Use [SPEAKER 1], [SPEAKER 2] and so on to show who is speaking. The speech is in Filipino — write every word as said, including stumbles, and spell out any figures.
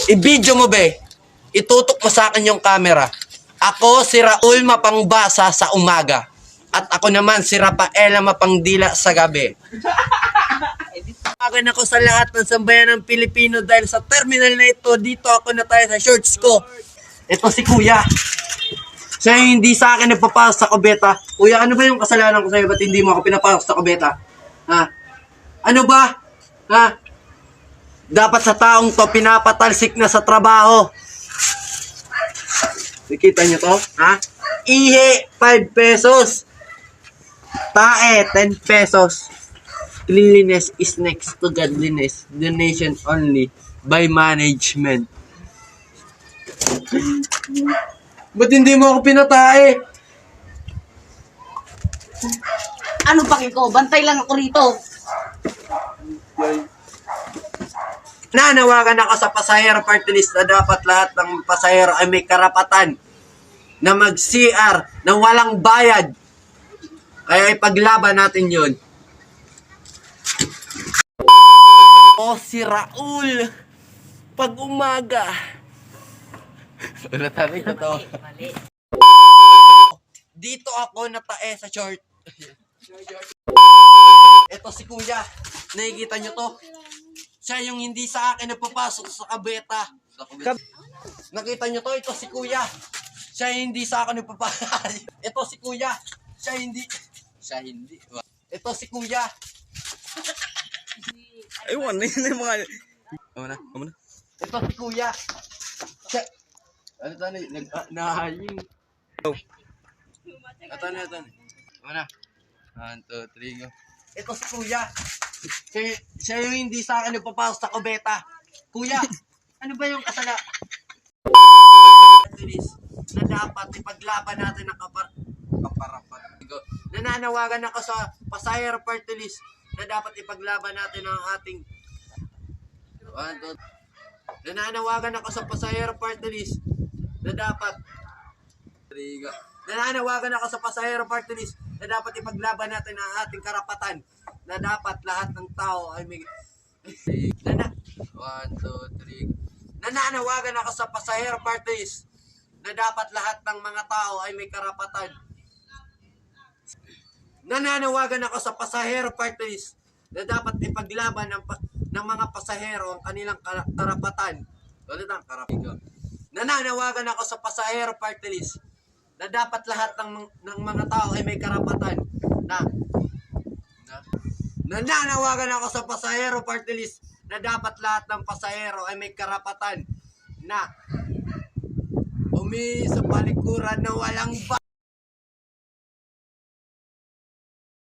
[SPEAKER 1] I-video mo, be. Itutok mo sa akin yung camera. Ako si Raul Mapangbasa sa umaga. At ako naman si Rafaela Mapangdila sa gabi. Tawagan ako sa lahat ng sambayan ng Pilipino dahil sa terminal na ito, dito ako na tayo sa shorts ko. Ito si Kuya. Siya yung hindi sa akin nagpapasok sa kubeta. Kuya, ano ba yung kasalanan ko sa'yo? Ba't hindi mo ako pinapasok sa kubeta? Ha? Ano ba? Ha? Dapat sa taong to, pinapatalsik na sa trabaho. Nakita nyo to? Ha? Ihe, five pesos. Tae, ten pesos. Cleanliness is next to godliness. Donation only by management. Ba't hindi mo ako pinatae?
[SPEAKER 2] Ano paki ko? Bantay lang ako rito.
[SPEAKER 1] Nanawagan ako sa pasahero party list na dapat lahat ng pasahero ay may karapatan na mag-C R na walang bayad. Kaya ipaglaban natin yun. O si Raul, pag umaga. Wala tayo ito. Dito ako natae sa short. Ito si Kuya. Nakikita nyo to? Siya yung hindi sa akin nagpapasok sa kabeta. Kab- Nakita nyo to? Ito si Kuya. Siya yung hindi sa akin nagpapasok. Ito si Kuya. Siya hindi. Siya hindi. Ito si Kuya.
[SPEAKER 3] Ewan na yun yung mga... Amo na, amo na.
[SPEAKER 1] Ito si Kuya. Siya... Ano ito na? Nag... ah, Nahaying.
[SPEAKER 3] Oh.
[SPEAKER 1] Ito na, ito na. Amo na. One, two, three, go. Ito si Kuya. Siya, siya yung hindi sa akin nagpapasok sa kubeta. Kuya, ano ba yung kasala? Na dapat ipaglaban natin ang kapar... kaparapan. Nananawagan ako sa pasahero party list na dapat ipaglaban natin ang ating... One, two, nananawagan ako sa pasahero party list na dapat... Three, go. Nananawagan ako sa pasahero party list na dapat ipaglaban natin ang ating karapatan na dapat lahat ng tao ay may... Nana... One, two, three... Nananawagan ako sa pasahero party list na dapat lahat ng mga tao ay may karapatan. Nananawagan ako sa pasahero party list na dapat ipaglaban ng, pa- ng mga pasahero ang kanilang kar- karapatan. Ulit ang karapatan. Nananawagan ako sa pasahero party list na dapat lahat ng, ng mga tao ay may karapatan na, na nananawagan ako sa pasahero party list na dapat lahat ng pasahero ay may karapatan na umi sa palikuran na walang ba